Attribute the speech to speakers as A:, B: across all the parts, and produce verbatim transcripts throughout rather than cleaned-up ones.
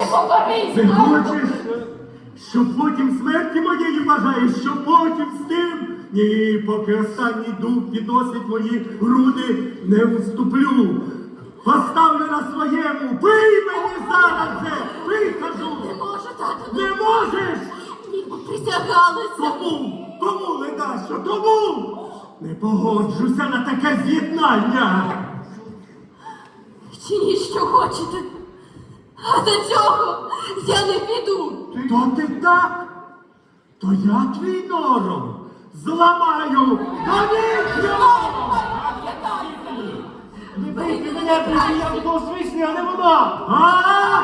A: покорися!
B: Ти хочеш, щоб потім смерті моєї бажаєш, щоб потім з тим? Ні, поки останній дух підносить мої груди, не уступлю. Поставлю на своєму, пий мені зараз же, пий, кажу.
A: Не можу, тату.
B: Не можеш?
A: Ні, ми присягалися.
B: Кому? Кому, Ледащо, кому? Не погоджуся на таке з'єднання.
A: Чиніть, що хочете. А за цього я не піду.
B: То ти так? То я твій нором зламаю до нічого!
C: Не бийте мене, бийте, я буду свисний, а не вона!
B: А?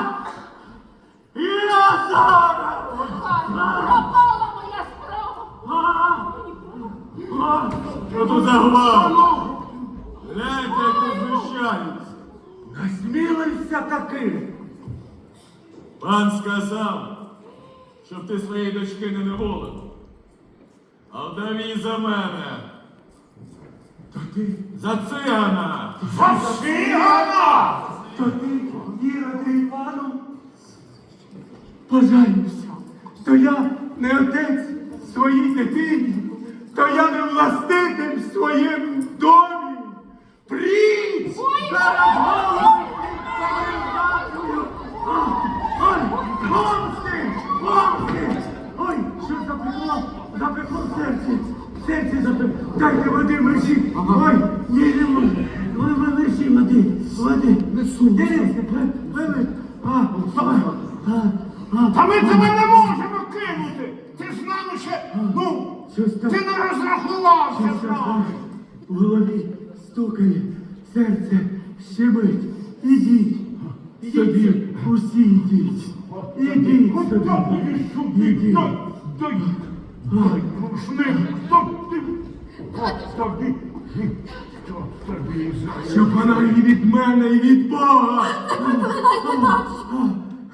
B: Я зараз!
A: Пропала моя справа.
B: А? А?
C: Що тут за гвалт?
B: Гляньте, як розміщаються. Насмілився таки.
C: Пан сказав, щоб ти своєї дочки не неволив. А вдав її за мене.
B: То ти,
C: За цигана!
B: Фашигана! То ти, Іроде Івану, бажаюся, то я не отець своїй дитині, то я не властитель в своєму домі. Пріч! Зараз голову передачую! Ой, помсти! Помсти! Ой, що запекло? Запекло в серці! В серці запекло! Дайте води, мерші! Ой, ні, не можу! Ой, ви мерші, води! Води! Дивіться, вивить! А, а, а, а.
D: Та ми тебе не можемо кинути! Ти ж нам ще, ну,
B: Щось там-
D: ти не розрахувався
B: Щось
D: з
B: там
D: нами.
B: в голові стукає, серце щемить. Ідіть собі, усі йдіть. Ідіть
D: От
B: собі.
D: так будеш сюди,
B: Ідіть.
D: дай, дай, дай, рушник, хто ти? От тобі, що тобі за...
B: Щоб вона і від мене, і від Бога.
A: Не проклинайте, тату.
B: А,